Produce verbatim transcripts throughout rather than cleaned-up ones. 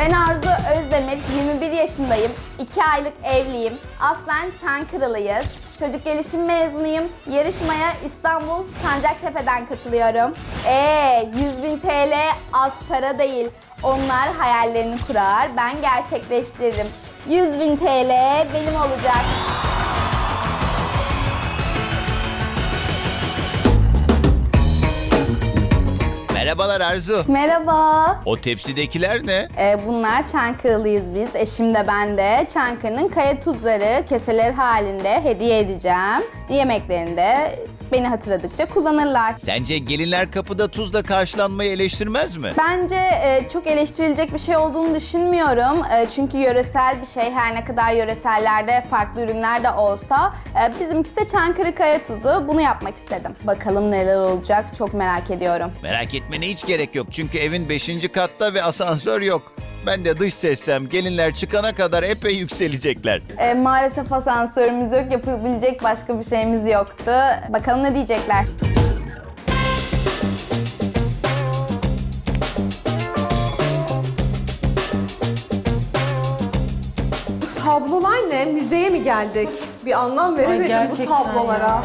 Ben Arzu Özdemir, yirmi bir yaşındayım, iki aylık evliyim, aslen Çankırılıyız. Çocuk gelişim mezunuyum, yarışmaya İstanbul Sancaktepe'den katılıyorum. Eee yüz bin T L az para değil, onlar hayallerini kurar, ben gerçekleştiririm. yüz bin T L benim olacak. Merhabalar Arzu. Merhaba. O tepsidekiler ne? Ee, bunlar Çankırılıyız biz. Eşim de ben de. Çankırı'nın kaya tuzları keseler halinde hediye edeceğim. Yemeklerinde beni hatırladıkça kullanırlar. Sence gelinler kapıda tuzla karşılanmayı eleştirmez mi? Bence e, çok eleştirilecek bir şey olduğunu düşünmüyorum. E, çünkü yöresel bir şey, her ne kadar yöresellerde farklı ürünler de olsa. E, bizimkisi de Çankırı kaya tuzu. Bunu yapmak istedim. Bakalım neler olacak, çok merak ediyorum. Merak etmene hiç gerek yok çünkü evin beşinci katta ve asansör yok. Ben de dış seslem gelinler çıkana kadar epey yükselecekler. E, maalesef asansörümüz yok, yapabilecek başka bir şeyimiz yoktu. Bakalım ne diyecekler. Tablolar ne? Müzeye mi geldik? Bir anlam veremedim bu gerçekten tablolara. ya.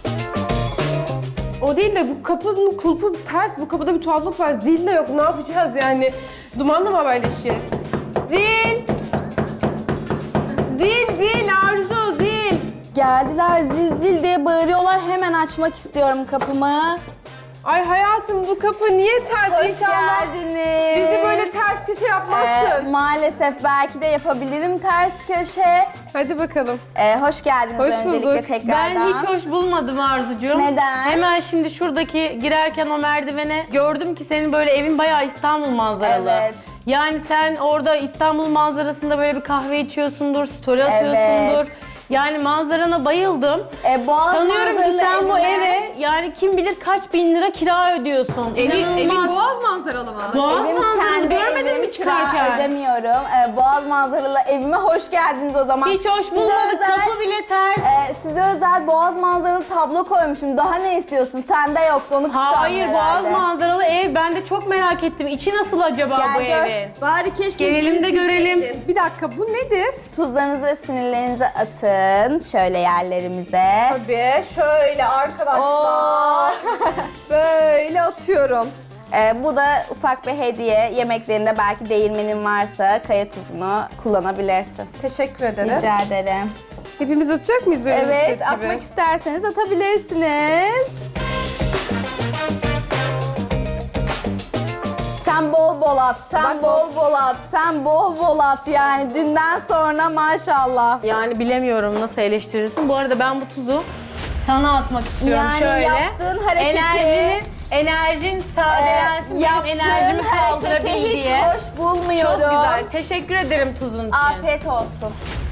O değil de bu kapının kulpu ters. Bu kapıda bir tuhaflık var. Zil de yok. Ne yapacağız yani? Dumanla mı haberleşeceğiz? Zil! Zil, zil, Arzu, zil! Geldiler zil zil diye bağırıyorlar. Hemen açmak istiyorum kapımı. Ay hayatım bu kapı niye ters? Hoş İnşallah geldiniz. bizi böyle ters köşe Ee, yapmazsın. maalesef belki de yapabilirim ters köşe. Hadi bakalım. Ee, hoş geldiniz Hoş öncelikle bulduk. tekrardan. Ben hiç hoş bulmadım Arzucuğum. Neden? Hemen şimdi şuradaki girerken o merdivene gördüm ki senin böyle evin bayağı İstanbul manzaralı. Evet. Yani sen orada İstanbul manzarasında böyle bir kahve içiyorsundur, story atıyorsundur. Yani manzarana bayıldım. Ee, Boğaz Sanıyorum ki manzaralı sen bu evime- eve yani kim bilir kaç bin lira kira ödüyorsun. Evin, İnanılmaz. evin boğaz manzaralı mı? Boğaz Evim manzaralı kendi görmedin evim, mi kira çıkarken? ödemiyorum. Ee, Boğaz manzaralı evime hoş geldiniz o zaman. Hiç hoş Size bulmadık, özel- kapı bile ters. Ee, size özel Boğaz manzaralı tablo koymuşum. Daha ne istiyorsun? Sende yoktu, onu kıskandın Hayır, Boğaz herhalde. manzaralı ev. Ben de çok merak ettim. İçi nasıl acaba Gel bu gör. evin? Bari keşke Gelelim de görelim. Bir dakika bu nedir? Tuzlarınızı ve sinirlerinizi atın şöyle yerlerimize. Tabii şöyle arkadaşlar. Böyle atıyorum. Ee, bu da ufak bir hediye. Yemeklerinde belki değirmenin varsa kaya tuzunu kullanabilirsin. Teşekkür ederiz. Rica ederim. Hepimiz atacak mıyız böyle Evet, gibi? atmak isterseniz atabilirsiniz. Sen bol bol at, sen bol bol at, sen bol bol at yani dünden sonra maşallah. Yani bilemiyorum nasıl eleştirirsin. Bu arada ben bu tuzu sana atmak istiyorum Yani şöyle. yaptığın hareketi- Enerjinin, enerjin sadelensin, benim Yaptığın enerjimi kaldırabil hareketi hiç diye. hoş bulmuyorum. Çok güzel. Teşekkür ederim tuzun için. Afiyet olsun.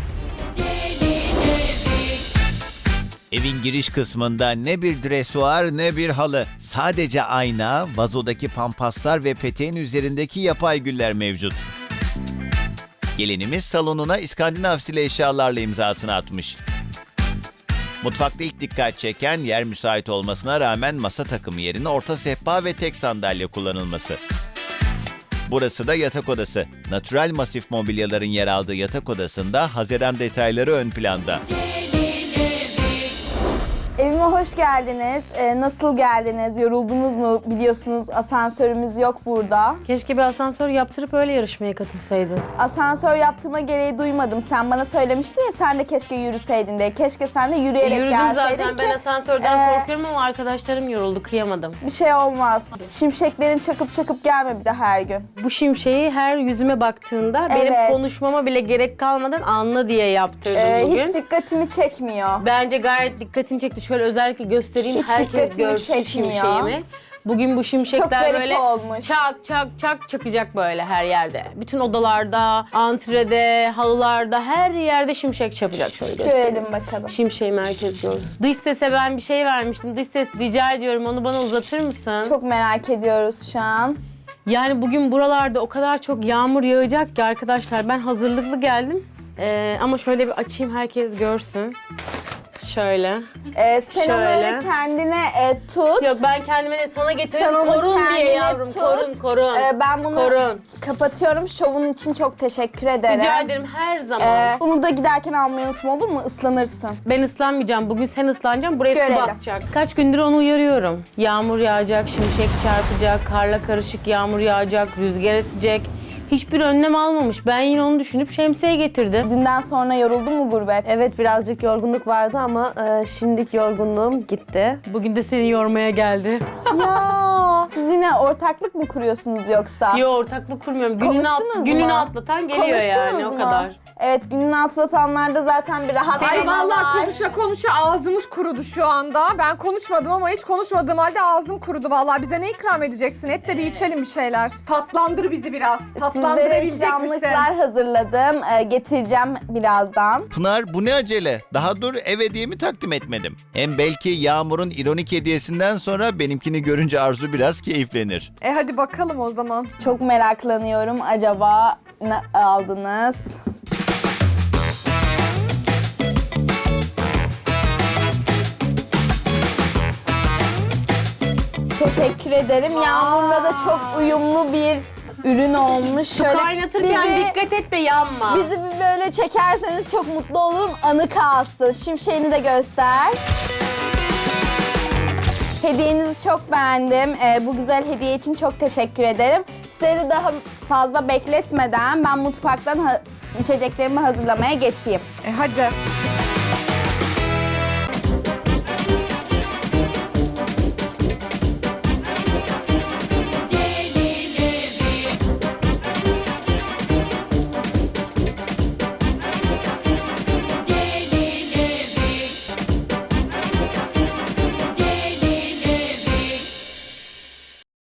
Evin giriş kısmında ne bir dresuar ne bir halı. Sadece ayna, vazodaki pampaslar ve peteğin üzerindeki yapay güller mevcut. Gelinimiz salonuna İskandinav stili eşyalarla imzasını atmış. Mutfakta ilk dikkat çeken yer müsait olmasına rağmen masa takımı yerine orta sehpa ve tek sandalye kullanılması. Burası da yatak odası. Natural masif mobilyaların yer aldığı yatak odasında haziran detayları ön planda. Evime hoş geldiniz. Ee, nasıl geldiniz? Yoruldunuz mu? Biliyorsunuz asansörümüz yok burada. Keşke bir asansör yaptırıp öyle yarışmaya katılsaydın. Asansör yaptırma gereği duymadım. Sen bana söylemiştin ya sen de keşke yürüseydin diye. Keşke sen de yürüyerek Yürüdüm gelseydin zaten. ki Ben asansörden e, korkuyorum ama arkadaşlarım yoruldu. Kıyamadım. bir şey olmaz. Şimşeklerin çakıp çakıp gelme bir de her gün. Bu şimşeği her yüzüme baktığında benim Evet. konuşmama bile gerek kalmadan anla diye yaptırdım Ee, bugün. hiç dikkatimi çekmiyor. Bence gayet dikkatini çekti. Şöyle özellikle göstereyim, Hiç herkes dikkatimi görsün çekmiyor. şimşeğimi. Bugün bu Çok şimşekler garip böyle olmuş. çak çak çak çakacak böyle her yerde. Bütün odalarda, antrede, halılarda her yerde şimşek çapacak. Şöyle göstereyim. Görelim bakalım. Şimşeği merkez görsün. Dış sese ben bir şey vermiştim. Dış ses rica ediyorum onu bana uzatır mısın? Çok merak ediyoruz şu an. Yani bugün buralarda o kadar çok yağmur yağacak ki arkadaşlar ben hazırlıklı geldim. Ee, ama şöyle bir açayım herkes görsün. Şöyle. Ee, sen onu Şöyle. öyle kendine e, tut. Yok ben kendime de sana getirdim. Sen onu Korun diye kendine yavrum. tut. Korun korun. Ee, ben bunu Korun. kapatıyorum. Şovun için çok teşekkür ederim. Rica ederim her zaman. Ee, bunu da giderken almayı unutma, olur mu? Islanırsın. Ben ıslanmayacağım. Bugün sen ıslanacaksın. Buraya Görelim. su basacak. Kaç gündür onu uyarıyorum. Yağmur yağacak, şimşek çarpacak, karla karışık yağmur yağacak, rüzgar esecek. Hiçbir önlem almamış. Ben yine onu düşünüp şemsiye getirdim. Dünden sonra yoruldun mu gurbet? Evet birazcık yorgunluk vardı ama e, şimdilik yorgunluğum gitti. Bugün de seni yormaya geldi. Ya siz yine ortaklık mı kuruyorsunuz yoksa? Yo ortaklık kurmuyorum. Gününü, at, Konuştunuz gününü mu? atlatan geliyor Konuştunuz yani mu? o kadar. Evet, gününü atlatanlarda zaten bir rahat Ay vallahi var. konuşa konuşa ağzımız kurudu şu anda. Ben konuşmadım ama hiç konuşmadığım halde ağzım kurudu vallahi. Bize ne ikram edeceksin? Et de bir içelim bir şeyler. Tatlandır bizi biraz. Sizlere Tatlandırabilecek misin? ikramlıklar hazırladım. Ee, getireceğim birazdan. Pınar bu ne acele? Daha dur ev hediyemi takdim etmedim. Hem belki Yağmur'un ironik hediyesinden sonra benimkini görünce Arzu biraz keyiflenir. E hadi bakalım o zaman. Çok meraklanıyorum. Acaba ne aldınız? Teşekkür ederim. Yağmur'la da çok uyumlu bir ürün olmuş. Şöyle Kaynatırken bizi- dikkat et de yanma. Bizi bir böyle çekerseniz çok mutlu olurum. Anı kalsın. Şimşeğini de göster. Hediyenizi çok beğendim. Ee, bu güzel hediye için çok teşekkür ederim. Sizleri daha fazla bekletmeden ben mutfaktan ha- içeceklerimi hazırlamaya geçeyim. E hadi.